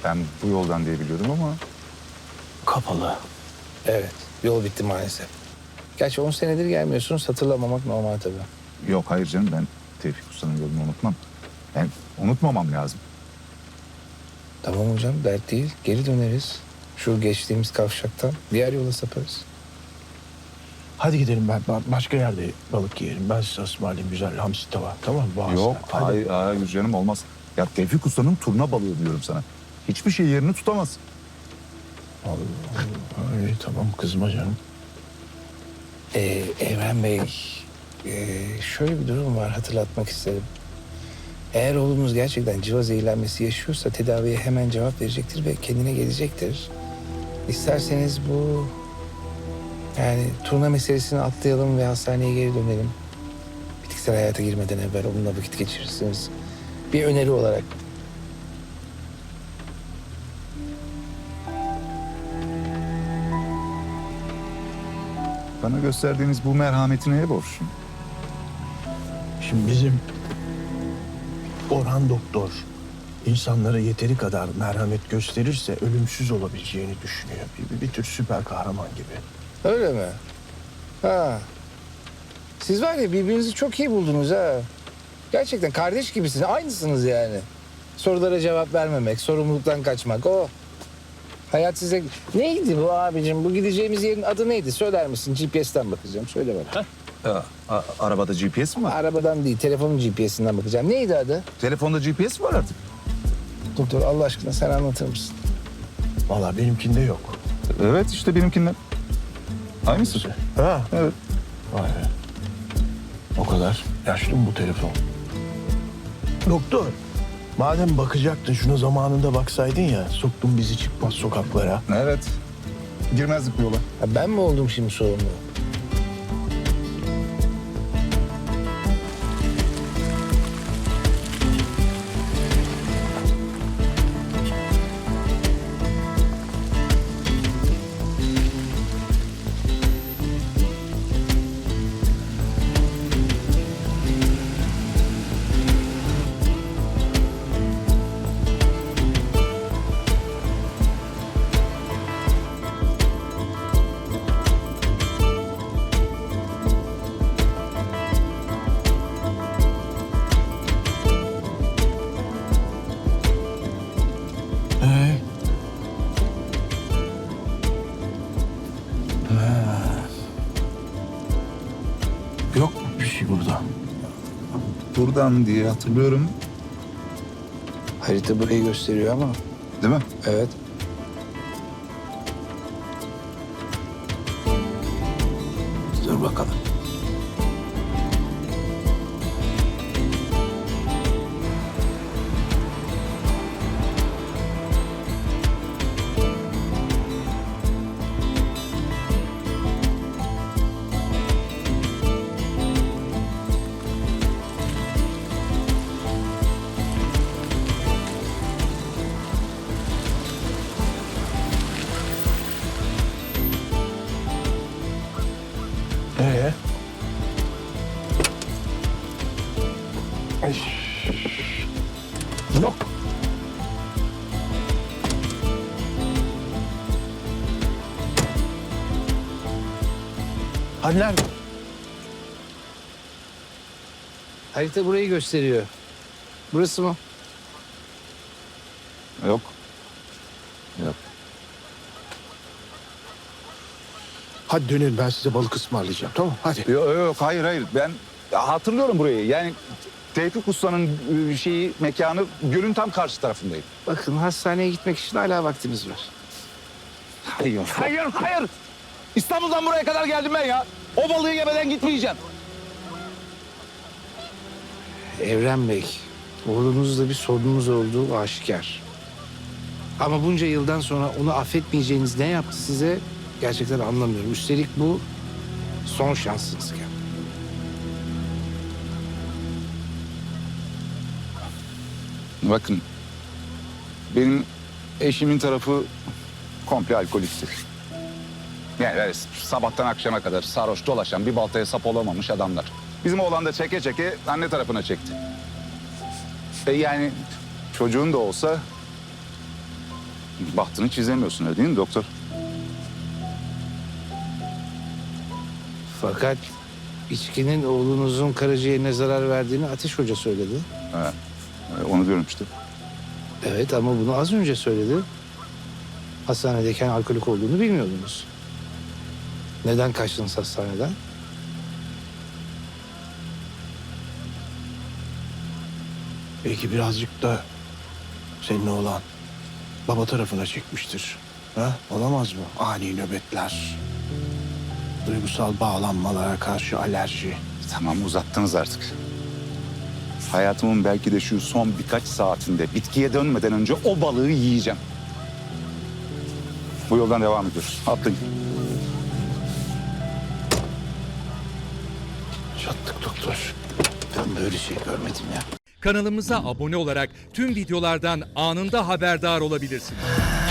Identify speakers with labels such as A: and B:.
A: Ben bu yoldan diye biliyordum ama...
B: Kapalı.
C: Evet, yol bitti maalesef. Gerçi 10 senedir gelmiyorsunuz, hatırlamamak normal tabii.
A: Yok hayır canım, ben Tevfik Usta'nın yolunu unutmam. Ben unutmamam lazım.
C: Tamam hocam, dert değil. Geri döneriz. Şu geçtiğimiz kavşaktan diğer yola saparız.
B: Hadi gidelim, ben başka yerde balık yiyelim. Ben size ısmarlayayım güzel hamsi tava. Tamam mı? Boğaz'da.
A: Yok
B: Hadi.
A: hayır canım, olmaz. Ya Tevfik Usta'nın turna balığı diyorum sana. Hiçbir şey yerini tutamaz.
B: Allah Allah. İyi, tamam kızma canım.
C: Evren Bey, şöyle bir durum var, hatırlatmak isterim. Eğer oğlumuz gerçekten civa zehirlenmesi yaşıyorsa tedaviye hemen cevap verecektir ve kendine gelecektir. İsterseniz bu yani turna meselesini atlayalım ve hastaneye geri dönelim. Bitkisel hayata girmeden evvel onunla vakit geçirirsiniz. Bir öneri olarak.
A: Bana gösterdiğiniz bu merhameti neye borçluyum?
B: Şimdi bizim Orhan doktor insanlara yeteri kadar merhamet gösterirse ölümsüz olabileceğini düşünüyor. Bir tür süper kahraman gibi.
C: Öyle mi? Ha. Siz var ya birbirinizi çok iyi buldunuz ha. Gerçekten kardeş gibisiniz. Aynısınız yani. Sorulara cevap vermemek, sorumluluktan kaçmak. O. Hayat size... Neydi bu abicim? Bu gideceğimiz yerin adı neydi? Söyler misin? GPS'ten bakacağım. Söyle bana.
A: Arabada GPS mi var?
C: Arabadan değil, telefonun GPS'inden bakacağım. Neydi adı?
A: Telefonda GPS mi var artık?
C: Doktor Allah aşkına sen anlatır mısın?
B: Vallahi benimkinde yok.
A: Evet işte benimkinden. Aynısı.
B: Ha?
A: Evet.
B: Vay be. O kadar yaşlı mı bu telefon? Doktor, madem bakacaktın şuna zamanında baksaydın ya, soktun bizi çıkmaz sokaklara.
A: Evet. Girmezdik bu yola.
C: Ha, ben mi oldum şimdi sorumlu?
B: Ee? Ha. Yok bir şey burada.
A: Buradan diye hatırlıyorum.
C: Harita burayı gösteriyor ama.
A: Değil mi?
C: Evet.
B: Dur bakalım. Ee? Ay. Yok. Hani nerede?
C: Harita burayı gösteriyor. Burası mı?
A: Yok. Yok.
B: Hadi dönün, ben size balık ısmarlayacağım. Tamam hadi.
A: Yok hayır. Ben hatırlıyorum burayı. Yani Tevfik Usta'nın mekanı gölün tam karşı tarafındaydı.
C: Bakın hastaneye gitmek için hala vaktimiz var.
A: Hayır. İstanbul'dan buraya kadar geldim ben ya. O balığı yemeden gitmeyeceğim.
C: Evren Bey, oğlunuzla bir sorunumuz olduğu aşikar. Ama bunca yıldan sonra onu affetmeyeceğiniz ne yaptı size gerçekten anlamıyorum. Üstelik bu son şansınızken.
A: Bakın, benim eşimin tarafı komple alkoliktir. Yani böyle sabahtan akşama kadar sarhoş dolaşan, bir baltaya sap olamamış adamlar. Bizim oğlan da çeke çeke anne tarafına çekti. Yani çocuğun da olsa bahtını çizemiyorsun öyle değil mi doktor?
C: Fakat içkinin oğlunuzun karaciğerine zarar verdiğini Ateş Hoca söyledi.
A: Onu diyorum işte.
C: Evet ama bunu az önce söyledi. Hastanedeyken alkolik olduğunu bilmiyordunuz. Neden kaçtınız hastaneden?
B: Belki birazcık da senin oğlan baba tarafına çekmiştir. Ha? Olamaz mı? Ani nöbetler, duygusal bağlanmalara karşı alerji.
A: Tamam uzattınız artık. Hayatımın belki de şu son birkaç saatinde bitkiye dönmeden önce o balığı yiyeceğim. Bu yoldan devam ediyoruz. Atlayın.
B: Çattık doktor. Ben böyle şey görmedim ya.
D: Kanalımıza abone olarak tüm videolardan anında haberdar olabilirsiniz.